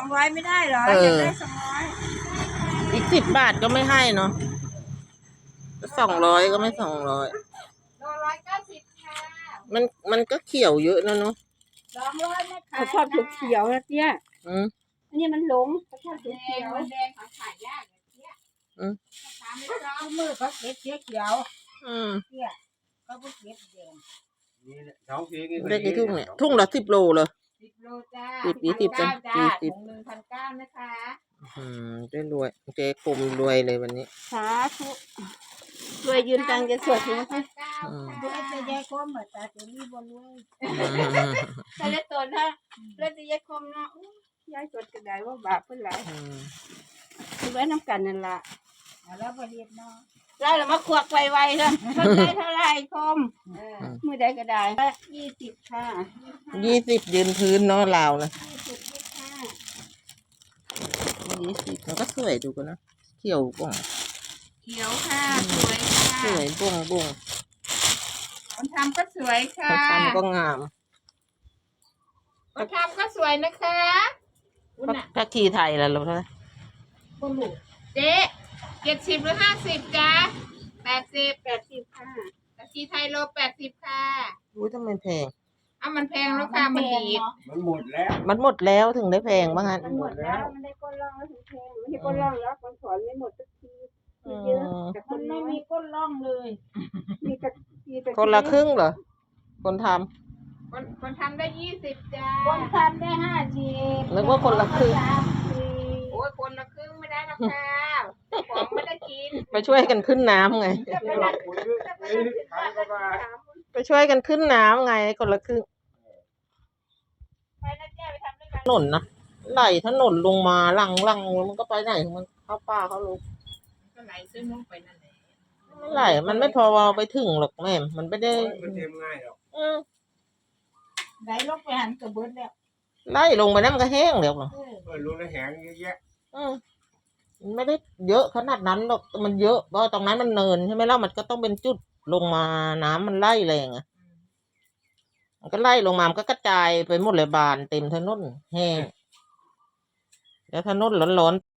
200ไม่ได้เหรออยากได้200 อีก10 บาทก็ไม่ให้เนาะ200ก็ไม่200 โล190ค่ะมันก็เขียวเยอะนะเนาะ 200ไม่ขายเขาชอบเขียวๆนะเตี้ย อันนี้มันหลงเขาชอบแดเขีงยวมันแดงเขาขายยากเนี่ยขายไม่ร้องมือเขาเก็บเขียวเนี่ยเขาเก็บแดงได้กี่ทุ่งเนี่ยทุ่งละ10 โลเลย 10 โลจ้า 10 จ้า 20 ถุงหนึ่ง1,900นะคะได้รวยเจ๊กลมรวยเลยวันนี้สาธุรวยยืนตังจะสวดถึงสิดูไอ้จะแยกคมเหมือนตาจะรีบรวยใส่ตัวถ้าเลือดจะแยกคมเนาะยายสวดก็ได้ว่าบาปเพิ่นหลายคือไว้น้ำกันนั่นล่ะแล้วพอเรียบเนาะเรามาควักไวๆเถอะเท่าไรคมมือใดก็ได้20ค่ะ 20ยืนพื้นเนาะลาวนะ 20ค่ะ 20มันก็สวยดูกันนะเขียวบ่งเขียวค่ะสวยสค่ะวยบ่งคนทำก็สวยค่ะเขาทำก็งามคนทำก็สวยนะคะคุณน่ะถ้าขีไทยล่ะลูกเท่าไหร่คนลูกเจ๊70หรือ50จ้า80 ค่ะตะกี้ไทยโล80ค่ะอุ้ยทำไมแพงเอามันแพงแล้วค่ะมันดีดมันหมดแล้วมันหมดแล้วถึงได้แพงบ้างงั้นมันหมดแล้วมันได้ก้นร่องแล้วถึงแพงไม่ใช่ก้นร่องแล้วคนสอนไม่หมดสักทีมีเยอะแต่คมัน นไม่ไม่มีมีก้นร่องเลยมีแต่มีแต่คนละครึ่งเหรอคนทคนทำได้20จ้าคนทำได้50 ำนึกว่าคนละครึ่งโอ้ยคนละครึ่งไม่ได้นะค่ะของไม่ได้กินไปช่วยกันขึ้นน้ำไง ไปช่วยกันขึ้นน้ำไงคนละครึ่งไปนะเจ้ไปทำด้วยกันถนนนะไหลถนนลงมาลังมันก็ไปไหนของมันเข้าป่าเข้าลูกก็ไหลซื้อมุ้งไปนั่นแหละไม่ไหลมันไม่พอเอาไปถึงหรอกแม่มันไม่ได้มันเต็มง่ายหรอกไหลลงไปหันกระเบิดแล้วไล่ลงไปนั่นมันก็แห้งเดี๋ยวหรอรู้แล้วแหงเยอะแยะมันไม่ได้เยอะขนาดนั้นหรอกมันเยอะเพราะตรงนั้นมันเนินใช่ไหมล่ะมันก็ต้องเป็นจุดลงมาน้ำมันไล่แรงอ่ะมันก็ไล่ลงมามันก็กระจายไปหมดเลยบานเต็มถนนแห้งแล้วถนนร้อนๆ